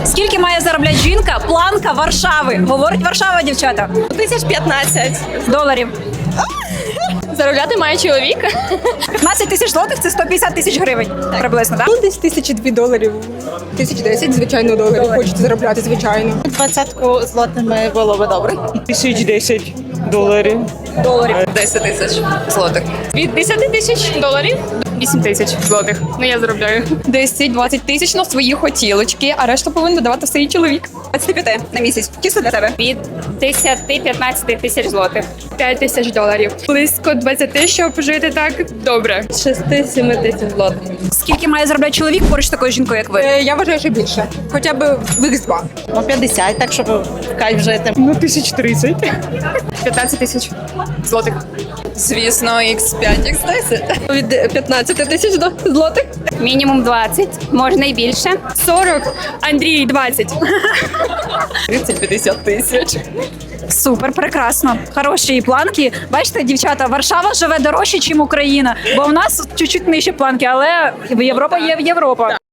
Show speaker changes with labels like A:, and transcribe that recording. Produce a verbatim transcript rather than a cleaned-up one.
A: Скільки має заробляти жінка, планка Варшави? Говорить Варшава, дівчата.
B: Тисяч п'ятнадцять.
A: Доларів.
B: Заробляти має чоловік.
A: п'ятнадцять тисяч злотих – це сто п'ятдесят тисяч гривень приблизно, так?
C: Ну, десь тисячі дві доларів. Тисяч десять, звичайно, доларів. Хочете заробляти, звичайно.
D: Двадцятку злотими було би добре.
E: Тисяч десять доларів.
A: Доларів.
B: десять тисяч злотих. Від десять тисяч доларів до вісім тисяч злотих. Ну я заробляю. десять-двадцять тисяч на свої хотілочки, а решту повинен додавати свій чоловік.
A: двадцять п'ять на місяць. Чисто для тебе.
B: Від десять-п'ятнадцять тисяч злотих. п'ять тисяч доларів. Близько двадцять, щоб жити так добре. шість-сім тисяч злотих.
A: Скільки має заробляти чоловік поруч з такою жінкою, як ви?
C: Е, Я вважаю, що більше. Хоча б в ікс два.
D: Ну, п'ятдесят, так, щоб в кайф жити.
E: Ну, тисяч тридцять.
B: п'ятнадцять тисяч злотих.
F: Звісно, ікс п'ять, ікс десять.
B: Від п'ятнадцять тисяч злотих. Мінімум двадцять, можна і більше. сорок, Андрій двадцять.
F: тридцять-п'ятдесят тисяч.
A: Супер, прекрасно. Хороші планки. Бачите, дівчата, Варшава живе дорожче, ніж Україна. Бо в нас чуть-чуть нижче планки, але Європа є Європа.